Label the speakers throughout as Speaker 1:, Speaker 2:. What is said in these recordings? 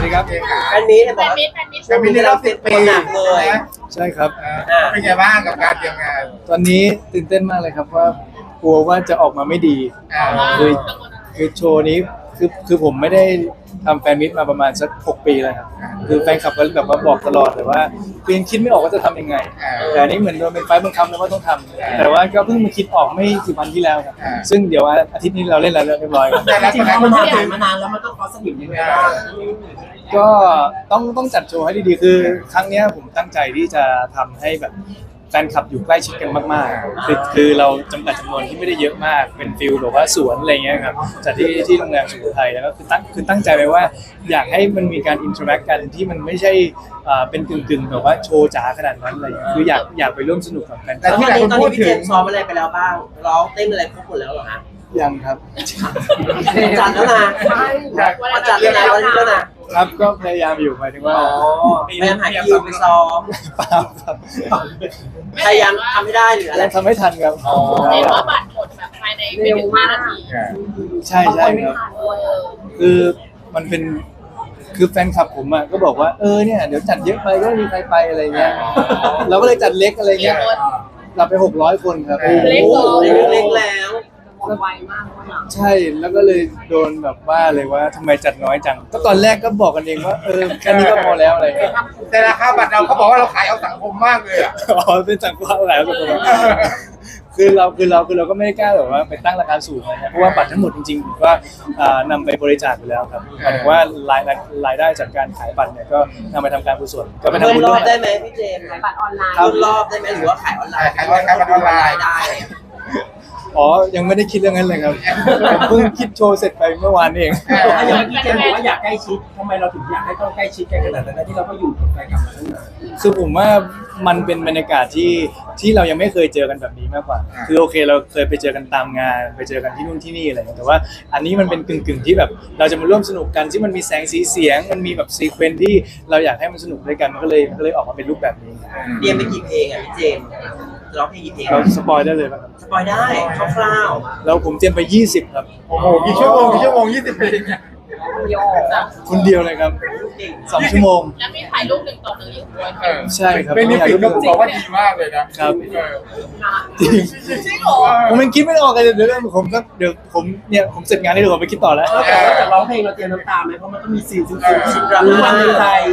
Speaker 1: วัสดีครับ
Speaker 2: อันนี้เนี่ยบอกว่า
Speaker 3: จะมีในรอบ10 ปี
Speaker 2: หนักเลย
Speaker 1: ใช่ครับ
Speaker 3: เป็นไงบ้างกับการเตรียมงาน
Speaker 1: ตอนนี้ตื่นเต้นมากเลยครับว่ากลัวว่าจะออกมาไม่ดี คือคือโชว์นี้คือผมไม่ได้ทำแฟนมิตมาประมาณสัก6 ปีแล้วครับคือแฟนคลับก็แบบว่าบอกตลอดแต่ว่าคือยังคิดไม่ออกว่าจะทำยังไงแต่อันนี้เหมือนโดนเป็นไฟล์บังคับแล้วว่าต้องทำแต่ว่าก็เพิ่งมาคิดออกไม่กี่วันที่แล้วครับซึ่งเดี๋ยวอาทิตย์นี้เราเล่นแล้วเรียบร้อยครับ
Speaker 2: แต่จริงๆมันผ่านมานานแล้วมันต้องคอสนิมยังไงบ้าง
Speaker 1: ก็ต้องจัดโชว์ให้ดีๆคือครั้งเนี้ยผมตั้งใจที่จะทำให้แบบแฟนคลับอยู่ใกล้ชิดกันมากๆคือเราจำกัดจำนวนที่ไม่ได้เยอะมากเป็นฟิลแบบว่าสวนอะไรเงี้ยครับจัดที่โรงแรมสุโขทัยแล้วก็คือตั้งใจไว้ว่าอยากให้มันมีการอินเทอร์แอคกันที่มันไม่ใช่เป็นกึ่งแบบว่าโชว์จ๋าขนาดนั้นอะไรเงี้ยคืออยากไปร่วมสนุกกับแฟนค
Speaker 2: แต่
Speaker 1: ลับ
Speaker 2: ที่ตอนนี้พี่เจมส์ซ้อมอะไรไปแล้วบ้างร้องเต้นอะไรครบหมดแล้วเหรอฮะ
Speaker 1: ยังครับ
Speaker 2: จัดแล้วนะจัดแล้วนะวันนี้แล้วนะครับ
Speaker 1: ก็พยายามอยู่หมายถึงว่า
Speaker 2: พยายามหาคิวไปซ้อม
Speaker 1: เปล่าครับ
Speaker 2: พยายามทำให้ได้หรืออะไร
Speaker 1: ยังทำไม่ทันครับ
Speaker 4: เห็นว่าบัตรหมดแบบภายในไม่ถึง5 นาที
Speaker 1: ใช่ครับคือมันเป็นคือแฟนคลับผมอ่ะก็บอกว่าเนี่ยเดี๋ยวจัดเยอะไปก็ไม่มีใครไปอะไรเงี้ยเราก็เลยจัดเล็กอะไรเงี้ยเราไป600 คนครับ
Speaker 4: เล็กเหรอ
Speaker 2: เล็กแล้ว
Speaker 4: ไวมาก
Speaker 1: ใช่แล้วก็เลยโดนแบบว่าเลยว่าทำไมจัดน้อยจังก็ตอนแรกก็บอกกันเองว่าแค่นี้ก็พอแล้วอะไรเงี้ย
Speaker 3: แต่ราคาบัตรเราเขาบอกว่าเราขายเอาสังคมมากเลยอ่ะ
Speaker 1: อ๋อเป็นสังกัดอะไรสังกัดคือเราก็ไม่ได้กล้าแบบว่าไปตั้งราคาสูงนะเพราะว่าบัตรทั้งหมดจริงๆผมก็นำไปบริจาคไปแล้วครับหมายถึงว่ารายได้จากการขายบัตรเนี่ยก็นำไปทำการกุศลก็ไปทำ
Speaker 2: เงิ
Speaker 1: บุ
Speaker 2: น
Speaker 1: ญ
Speaker 2: ร
Speaker 1: ร่
Speaker 2: อ
Speaker 1: ว
Speaker 2: บ
Speaker 1: ม
Speaker 2: ได้ไหมพี่เจมส์
Speaker 4: ขายบัตรออนไลน์
Speaker 2: รุ่นรอบได้ไหมหรือว่าขายออนไลน์
Speaker 3: ขายบัตรออนไลน์
Speaker 2: ได้
Speaker 1: อ๋อยังไม่ได้คิดเรื่องนั้นเลยครับผมเพิ่งคิดโชว์เสร็จไปเมื่อวานเอง
Speaker 5: อย่างพี่เจมส์บอกว่าอยากใกล้ชิดทำไมเราถึงอยากให้ต้องใกล้ชิดกันขนาดนั้นที่เราก็อยู่กับแฟนคลับมาตั้งนาน
Speaker 1: คือผมว่ามันเป็นบรรยากาศที่เรายังไม่เคยเจอกันแบบนี้มากกว่า คือโอเคเราเคยไปเจอกันตามงานไปเจอกันที่นู่นที่นี่อะไรอย่างเงี้ยแต่ว่าอันนี้มันเป็นกึ่งที่แบบเราจะมาร่วมสนุกกันที่มันมีแสงสีเสียงมันมีแบบซีเควนซ์ที่เราอยากให้มันสนุกด้วยกันมันก็เลยออกมาเป็นรูปแบบนี้
Speaker 2: เรียนไปกี่เพลงอ่ะพี่เจมส์ร้องเพลงกี่เพลง
Speaker 1: เราสปอยได้เลยป่ะครับ
Speaker 2: สปอยได้คร่าว
Speaker 1: แล้วผมเตรียมไป20ครับ
Speaker 3: โอ้โหกี่ชั่วโมง20 ปีเนี่ย
Speaker 1: คนเดียวเลยครับ
Speaker 2: ๆเก่ง
Speaker 1: 2 ชั่วโมง
Speaker 4: แล้วมีถ่ายรูป1 ต่อ 1อยู่ด้วย
Speaker 1: ใช่ครับ
Speaker 3: เป็นนิฟิกก็บอกว่าดีมากเลยนะครับ
Speaker 1: จริง
Speaker 4: จริงเหรอ
Speaker 1: ผมยังคิดไม่ออกเลยเดี๋ยวผมเสร็จงานนี้เดี๋ยวผมไปคิดต่อแล้ว
Speaker 5: แต่ว่าจากร้องเพลงเราเตรียมน้ำตาไหมเพราะมันต้องมีซีนซึ้งๆดราม่าในไทย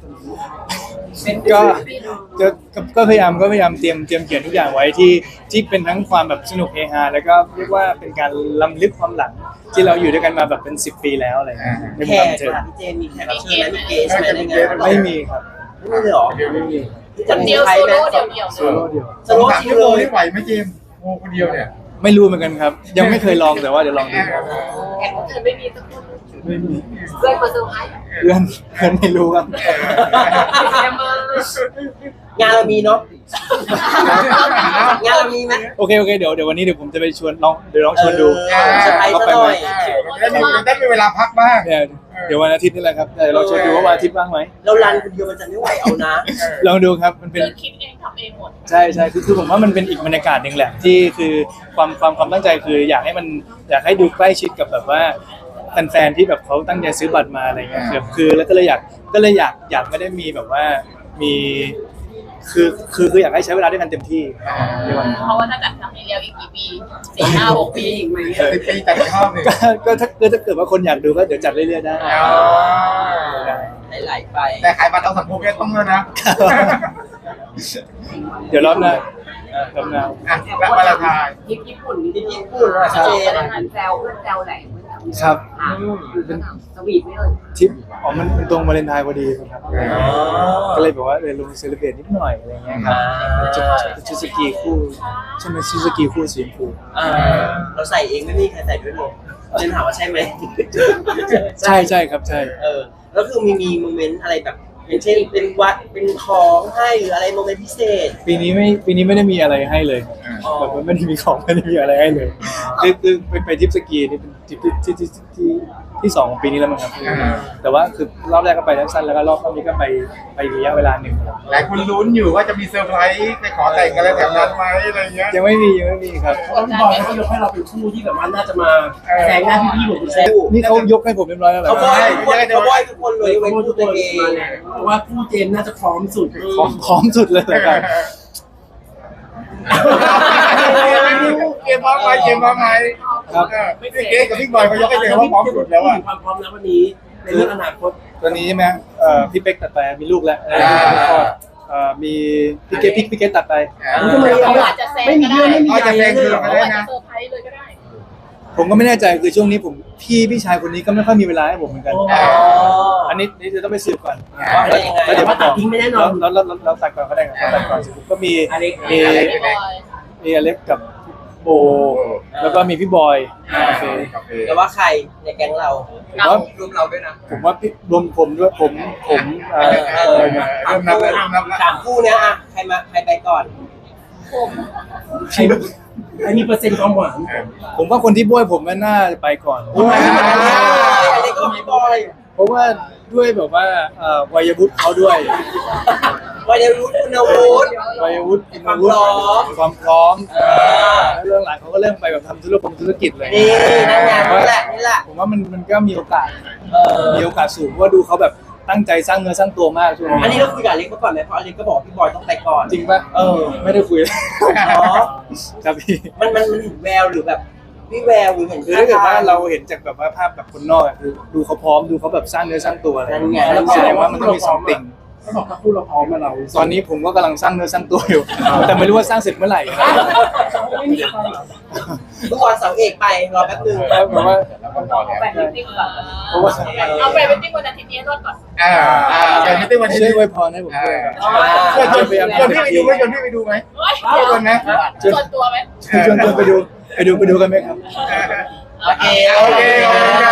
Speaker 1: ก็พยายามเตรียมเขียนทุกอย่างไว้ที่เป็นทั้งความแบบสนุกเฮฮาแล้วก็เรียกว่าเป็นการล้ำลึกความหลังที่เราอยู่ด้วยกันมาแบบเป็น10 ปีแล้วอะไรเงี้ยใน
Speaker 2: แข
Speaker 1: ความ
Speaker 2: ก
Speaker 1: บันเทิง
Speaker 2: ค่ะพี่เจมส์มีแขกรับเชิญไหมมีเกสไหมในงาน
Speaker 1: ไม่มีครับ
Speaker 2: ไม่มีเลยเหรอ
Speaker 1: ไม่มี
Speaker 4: คนเดียวโซโล่เดี่ยว
Speaker 1: โซโล่เดียว
Speaker 2: สโลว์
Speaker 3: 3
Speaker 2: จริง
Speaker 3: ชั่ว
Speaker 2: เล
Speaker 3: โมง
Speaker 2: ย
Speaker 3: นี่ไหวไหมเจมส์โอ้คนเดียวเนี่ย
Speaker 1: ไม่รู้เหมือนกันครับ ยังไม่เคยลองแต่ว่าเดี๋ยวลองดู
Speaker 4: แขกรับเชิญไม่มีสักคน
Speaker 1: ไม่มี
Speaker 4: เพื่อนมาเซอร์ไพรส์
Speaker 1: เพื่อนไม่รู้ครับ
Speaker 4: แกมาง
Speaker 2: านเรามีเนาะงานเรามีไหม
Speaker 1: โอเคเดี๋ยววันนี้เดี๋ยวผมจะไปชวนลองชวนดู
Speaker 2: เซอร์ไพรส์ซะหน่อย
Speaker 3: ได้มีเวลาพักบ้าง
Speaker 1: เดี๋ยววันอาทิตย์นี่แหละครับเดี๋ยวลองชวนดูว่าวันอาทิตย์ว่างไหม
Speaker 2: เรารันคนเดียวมันจะไม่ไหวเอานะ
Speaker 1: ลองดูครับมันเป็น
Speaker 4: คือคิดเองทำเองหมด
Speaker 1: ใช่คือผมว่ามันเป็นอีกบรรยากาศหนึ่งแหละที่คือความตั้งใจคืออยากให้ดูใกล้ชิดกับแบบว่าแฟนๆที่แบบเขาตั้งใจซื้อบัตรมาอะไรเงี้ยคือแล้วก็เลยอยากไม่ได้มีแบบว่ามีคืออยากให้ใช้เวลาด้วยกันเต็มที่ในวันนี้
Speaker 4: เพราะว่าถ้าจัดครั้งนี้แล้วอีกกี่ปี4 5 6 ปีอีกไหม
Speaker 3: 10 ปีแต่อีกรอบหนึ่ง
Speaker 1: ก็ถ้าเกิดว่าคนอยากดูก็เดี๋ยวจัดเรื่อยๆได้
Speaker 2: ไหลๆไป
Speaker 3: แต่ขายบัตรเอาสังคมเนี่ยต้องแล้วนะ
Speaker 1: เดี๋ยวรอบหน้า
Speaker 3: แล้วมาละทาย
Speaker 4: ญี่ปุ่น
Speaker 2: ที่ญี่ปุ่นอะเจน
Speaker 4: แซวเพื่อนแซวไหน
Speaker 1: ครับ
Speaker 4: เป็นสวีทไม่เลย
Speaker 1: ทริปมันตรงวาเลนไทน์พอดีครับก็เลยแบบว่าลงเซเลบรตนิดหน่อยอะไรเงี้ยครับชุดสกีคู่ใช่ไหมชุดสกีคู่สีชมพู
Speaker 2: เราใส่เองไม่มีใครใส่ด้วยเลยเจนถามว่าใช่ไหม
Speaker 1: ใช่ครับใช่
Speaker 2: แล้วคือมีโมเมนต์อะไรแบบอย่างเช่นเป็นวัดเป็นของให้หรืออะไรโมเมนต์พิเศษ
Speaker 1: ปีนี้ไม่ได้มีอะไรให้เลย
Speaker 2: อ๋อ
Speaker 1: แบบว่าไม่ได้มีของไม่ได้มีอะไรให้เลยคือไปทริปสกีนี่เป็นทริปที่สองของปีนี้แล้วมั้งครับแต่ว่าคือรอบแรกก็ไปสั้นๆแล้วก็รอบนี้ก็ไประยะเวลาหนึ่ง
Speaker 3: หลายคนลุ้นอยู่ว่าจะมีเซอร์ไพรส์ไปขอแต่งกันอะไรแถวนั้นไหมอะไรเงี้ย
Speaker 1: ยังไม่มีครับ
Speaker 5: เพราะว่าพี่บอยเขายกให้เราเป็นคู่ที่แบบว่าน่าจะมาแซงหน้าพี่ๆหมดทุกคน
Speaker 1: นี่เขายกให้ผมเรียบร้อยแล้วเหรอ
Speaker 2: เขาบอยทุกคนเลยเป็นคู่ตัวเอง
Speaker 5: เพราะว่าคู่เจมส์น่าจะพร้อมสุด
Speaker 1: พร้อมสุดเลยนะครับ
Speaker 3: เกมพร้อมไหมเกมพร้อมไหมเกมกับพี่บอยเขายกให้เจมว่าพร้อมสุดแล้วอ่ะ
Speaker 5: ความพร้อมแล้ววันนี้ในเรื่องอนาคต
Speaker 1: ตอนนี้ใช่ไหมพี่เป๊กตัดไปมีลูกแล้วมีพี่เกตตัดไป
Speaker 5: ทำไม
Speaker 4: เขาอาจจะแซง
Speaker 5: ไม่มี
Speaker 4: ก็
Speaker 5: เรื่อง
Speaker 4: ได้
Speaker 5: ไม่มีใหญ่เลย
Speaker 4: เขาอาจจะเซอร์ไพรส์เลยก็ได้
Speaker 1: ผมก็ไม่แน่ใจคือช่วงนี้ผมพี่ชายคนนี้ก็ไม่ค่อยมีเวลาให้ผมเหมือนกัน อันนี้จะต้องไปสืบก่อน
Speaker 2: ว่าเป็นยังไง
Speaker 1: แล้วเดี๋ยว
Speaker 5: ว่า
Speaker 1: มา
Speaker 5: ตั
Speaker 1: ต่
Speaker 5: ด
Speaker 1: อ
Speaker 5: ทิ้งไม่แน่นอน
Speaker 1: แล้วตัดก่อนก็ได้ครับตัดก่อนเสร็จปุ๊บก็มี
Speaker 5: อเล็ก
Speaker 1: มี
Speaker 4: พี่บอย
Speaker 1: อเล็กกับโบแล้วก็มีพี่บอยโอเค
Speaker 2: แต่ว่าใครในแก๊งเรา
Speaker 1: ผมว่าร
Speaker 2: วมเราด้วยนะ
Speaker 1: ผมว่าพี่รวมผมด้วยผมอะไรนะ
Speaker 3: เริ่มนับแล้วเริ่มนับแล้ว
Speaker 2: สามคู่เนี้ยอะใครไปก่อน
Speaker 4: ผม
Speaker 5: ใครมีเปอร์เซ็นต์ความหวาน
Speaker 1: ผมว่าคนที่บ้วยผมก็น่าจะไปก่อน
Speaker 2: อันนี้ก็พี่บอย
Speaker 1: เพราะว่าด้วยแบบว่าวัยวุฒิเขาด้วย
Speaker 2: วันนี้รู้คุณวุฒิ
Speaker 1: วัยวุฒิ
Speaker 2: ความพร้อม
Speaker 1: ความพร้อมแล้วเรื่องหลังเขาก็เริ่มไปแบบทำธุรกิจเลย
Speaker 2: นี่นั่นไงนี่แหละ
Speaker 1: ผมว่ามันก็มีโอกาส
Speaker 2: เออ
Speaker 1: มีโอกาสสูงเพราะว่าดูเขาแบบตั้งใจสร้างเนื้อสร้างตัวมากช่วง
Speaker 2: อันนี้
Speaker 1: นี้
Speaker 2: เราคุยกับอเล็กมาก่อนไหมเพราะอเล็กก็บอกพี่บอยต้องไปก่อน
Speaker 1: จริงปะไม่ได้คุย
Speaker 2: อ๋อ
Speaker 1: ครับพี่
Speaker 2: มันเห็นแววหรือแบบวิแววหรือเห็น
Speaker 1: คือถ้าเกิดว่าเราเห็นจากแบบว่าภาพแบบคนนอกอะคือดูเขาพร้อมดูเขาแบบสร้างเนื้อสร้างตัวอะไร
Speaker 2: นั่นไง
Speaker 1: แสดงว่ามันต้องมีซัมติง
Speaker 5: เขาบอกถ้าคู่เราพร้อมมาเรา
Speaker 1: ตอนนี้ผมก็กำลังสร้างเนื้อสร้างตัวอยู่ แต่ไม่รู้ว่าสร้างเสร็จเมื่อไหร่นะ
Speaker 5: ไม่มีความ
Speaker 2: เมื่อวานเสาเอกไปรอแป๊บนึง
Speaker 1: แบบว่า
Speaker 4: เอาไปมิทติ้งก่อน
Speaker 1: เพราะว่า
Speaker 4: เอาไปมิทติ้งวันอาทิตย์นี้รอดก่อน
Speaker 3: แต่ไม่ได้วันนี้
Speaker 1: ช่วยอวยพรให้ผมด้วยครับ
Speaker 3: ชวนพี่ไปดูไหมชวนนะ
Speaker 4: ส่วนตัวไหม
Speaker 1: ชวนไปดูกันไหมครับ
Speaker 2: โอเค
Speaker 3: โอเค